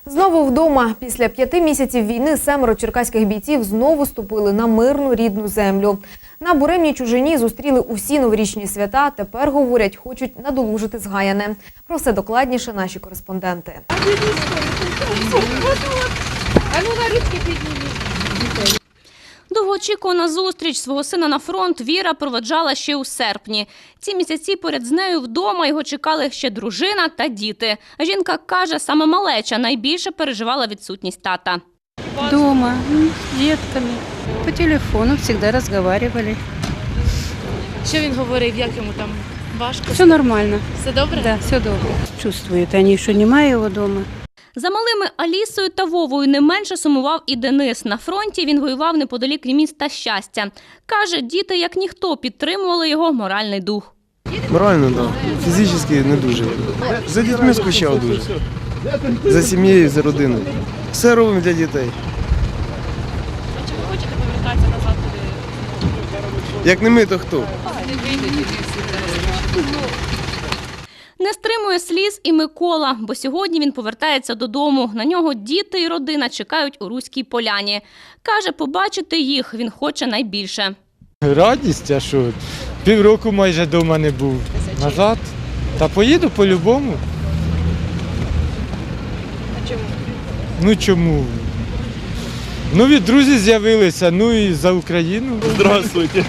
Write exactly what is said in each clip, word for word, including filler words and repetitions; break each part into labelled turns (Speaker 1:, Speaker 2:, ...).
Speaker 1: Знову вдома. Після п'яти місяців війни семеро черкаських бійців знову ступили на мирну рідну землю. На буремній чужині зустріли усі новорічні свята. Тепер, говорять, хочуть надолужити згаяне. Про все докладніше наші кореспонденти.
Speaker 2: Довгоочікувана зустріч свого сина на фронт Віра проведжала ще у серпні. Ці місяці поряд з нею вдома його чекали ще дружина та діти. Жінка каже, саме малеча найбільше переживала відсутність тата.
Speaker 3: Дома, с детками. По телефону всегда разговаривали.
Speaker 4: Що він говорив, як йому там важко?
Speaker 3: Все нормально.
Speaker 4: Все добре?
Speaker 3: Да, все добре. Чувствуют они, что немає його дома.
Speaker 2: За малими Алісою та Вовою не менше сумував і Денис. На фронті він воював неподалік міста Щастя. Каже, діти, як ніхто, підтримували його моральний дух.
Speaker 5: Морально, так. Фізично не дуже. За дітьми скучав дуже. За сім'єю, за родиною. Все робимо для дітей.
Speaker 4: А чи ви хочете повертатися назад туди?
Speaker 5: Як не ми, то хто?
Speaker 2: Не стримує сліз і Микола, бо сьогодні він повертається додому. На нього діти і родина чекають у Руській Поляні. Каже, побачити їх він хоче найбільше.
Speaker 6: Радість, а що? Півроку майже вдома не був. Назад? Та поїду по-любому.
Speaker 4: А чому?
Speaker 6: Ну чому? Нові друзі з'явилися, ну і за Україну. Здравствуйте.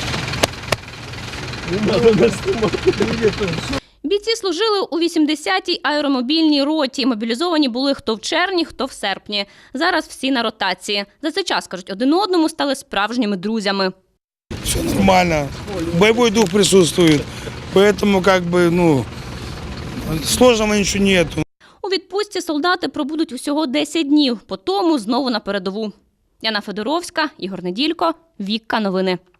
Speaker 2: Бійці служили у вісімдесятій аеромобільній роті. Мобілізовані були хто в червні, хто в серпні. Зараз всі на ротації. За цей час, кажуть, один одному стали справжніми друзями.
Speaker 7: Все нормально. Боевой дух присутствует. Поэтому как бы, ну, сложного ничего нету.
Speaker 2: У відпустці солдати пробудуть усього десять днів. По тому знову на передову. Яна Федоровська, Ігор Неділько, Вікка Новини.